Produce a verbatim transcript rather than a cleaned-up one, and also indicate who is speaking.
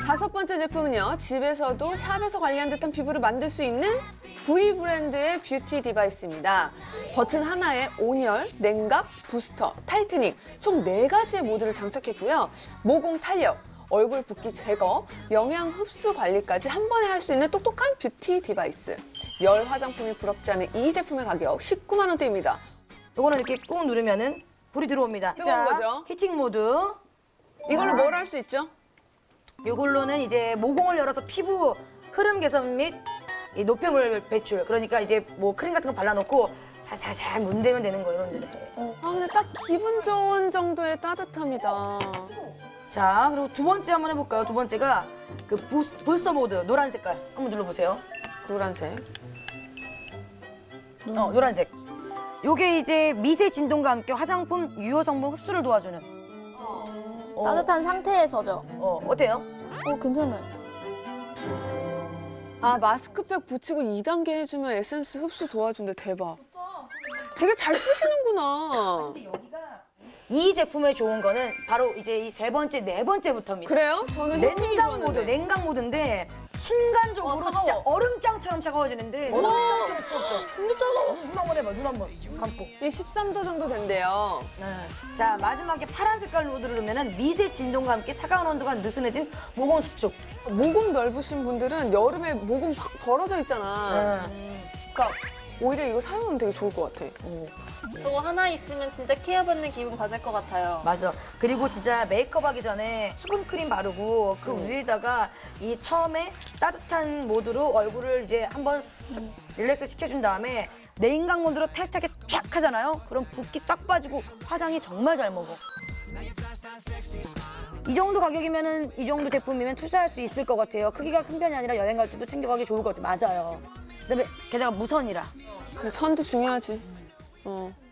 Speaker 1: 다섯 번째 제품은요. 집에서도 샵에서 관리한 듯한 피부를 만들 수 있는 브이 브랜드의 뷰티 디바이스입니다. 버튼 하나에 온열, 냉각, 부스터, 타이트닝 총 네 가지의 모드를 장착했고요. 모공 탄력, 얼굴 붓기 제거, 영양 흡수 관리까지 한 번에 할 수 있는 똑똑한 뷰티 디바이스. 열 화장품이 부럽지 않은 이 제품의 가격 십구만 원대입니다.
Speaker 2: 요거는 이렇게 꾹 누르면은 불이 들어옵니다.
Speaker 1: 뜨거운 거죠?
Speaker 2: 히팅 모드.
Speaker 1: 이걸로 뭘 할 수 있죠?
Speaker 2: 요걸로는 이제 모공을 열어서 피부 흐름 개선 및 이 노폐물 배출. 그러니까 이제 뭐 크림 같은 거 발라놓고 살살살 문대면 되는 거 이런 데.
Speaker 1: 아 근데 딱 기분 좋은 정도의 따뜻함이다.
Speaker 2: 자, 그리고 두 번째 한번 해볼까요? 두 번째가 그 부스, 부스터 모드 노란 색깔 한번 눌러보세요.
Speaker 1: 노란색.
Speaker 2: 어, 노란색. 요게 이제 미세 진동과 함께 화장품 유효 성분 흡수를 도와주는. 어,
Speaker 3: 따뜻한 상태에서죠.
Speaker 2: 어, 어때요?
Speaker 3: 어, 괜찮아요.
Speaker 1: 아 마스크팩 붙이고 이 단계 해주면 에센스 흡수 도와준대. 대박. 되게 잘 쓰시는구나.
Speaker 2: 이 제품의 좋은 거는 바로 이제 이 세 번째, 네 번째부터입니다.
Speaker 1: 그래요? 저는 햇빛이
Speaker 2: 냉각 모드,
Speaker 1: 좋았는데.
Speaker 2: 냉각 모드인데 순간적으로
Speaker 3: 와, 차가워.
Speaker 2: 진짜 얼음장처럼 차가워지는데 얼음장처럼 차가워.
Speaker 3: 진짜 차가워.
Speaker 2: 눈 한번 해봐, 눈 한번 감고.
Speaker 1: 이 십삼 도 정도 된대요.
Speaker 2: 네. 자, 마지막에 파란 색깔 모드를 누르면 미세 진동과 함께 차가운 온도가 느슨해진 모공 수축.
Speaker 1: 모공 넓으신 분들은 여름에 모공 확 벌어져 있잖아.
Speaker 2: 네.
Speaker 1: 그러니까 오히려 이거 사용하면 되게 좋을 것 같아.
Speaker 3: 저거 하나 있으면 진짜 케어받는 기분 받을 것 같아요.
Speaker 2: 맞아. 그리고 진짜 메이크업 하기 전에 수분 크림 바르고 그 위에다가 이 처음에 따뜻한 모드로 얼굴을 이제 한번 쓱 릴렉스 시켜준 다음에 냉각 모드로 타이트하게 쫙 하잖아요. 그럼 붓기 싹 빠지고 화장이 정말 잘 먹어. 이 정도 가격이면은 이 정도 제품이면 투자할 수 있을 것 같아요. 크기가 큰 편이 아니라 여행 갈 때도 챙겨가기 좋을 것 같아요. 맞아요. 그다음에 게다가 무선이라.
Speaker 1: 근데 선도 중요하지. 어.